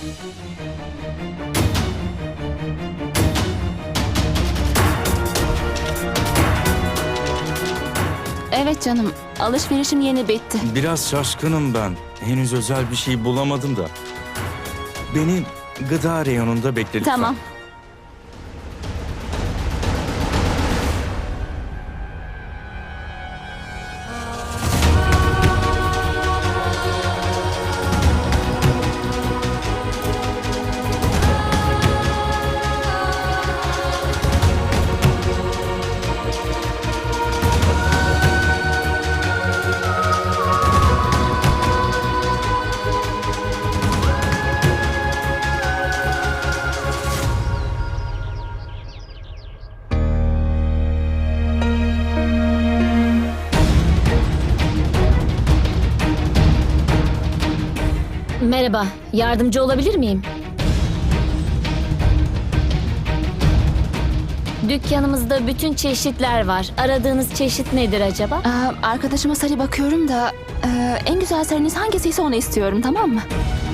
Evet canım, alışverişim yeni bitti. Biraz şaşkınım ben. Henüz özel bir şey bulamadım da. Beni gıda reyonunda bekle lütfen. Tamam. Merhaba, yardımcı olabilir miyim? Dükkanımızda bütün çeşitler var. Aradığınız çeşit nedir acaba? Arkadaşıma sarı bakıyorum da en güzel sarınız hangisiyse onu istiyorum, tamam mı?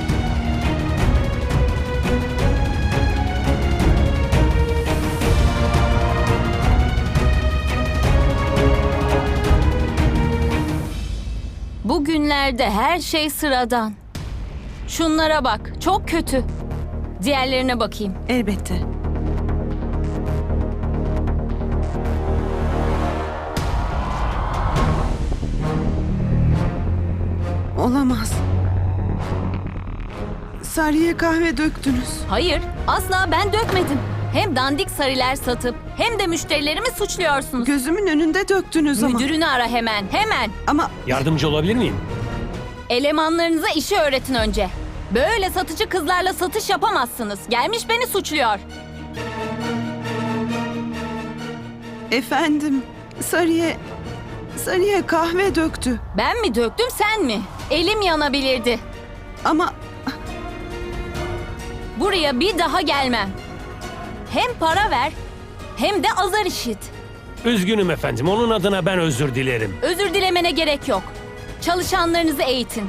Bugünlerde her şey sıradan. Şunlara bak, çok kötü. Diğerlerine bakayım. Elbette. Olamaz. Sarıya kahve döktünüz. Hayır, asla ben dökmedim. Hem dandik sarılar satıp hem de müşterilerimi suçluyorsunuz. Gözümün önünde döktünüz ama. Müdürünü ara hemen, hemen. Ama Yardımcı olabilir miyim? Elemanlarınıza işi öğretin önce. Böyle satıcı kızlarla satış yapamazsınız. Gelmiş beni suçluyor. efendim, Sarıya kahve döktü. Ben mi döktüm, sen mi? Elim yanabilirdi. Ama Buraya bir daha gelmem. Hem para ver, hem de azar işit. Üzgünüm efendim. Onun adına ben özür dilerim. Özür dilemene gerek yok. Çalışanlarınızı eğitin.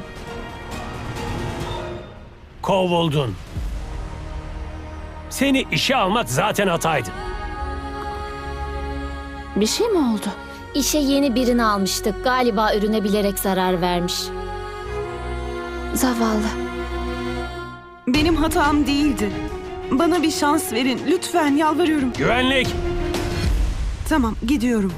Kovuldun. Seni işe almak zaten hataydı. Bir şey mi oldu? İşe yeni birini almıştık. Galiba ürüne bilerek zarar vermiş. Zavallı. benim hatam değildi. Bana bir şans verin. Lütfen yalvarıyorum. Güvenlik! Tamam, gidiyorum.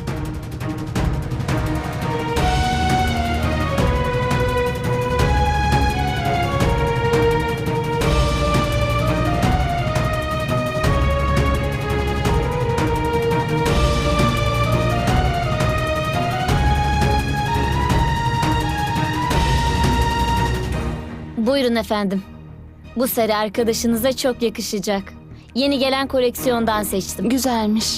Buyurun efendim. Bu sarı arkadaşınıza çok yakışacak. Yeni gelen koleksiyondan seçtim. Güzelmiş.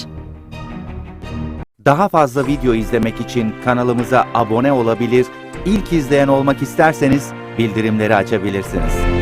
Daha fazla video izlemek için kanalımıza abone olabilir, ilk izleyen olmak isterseniz bildirimleri açabilirsiniz.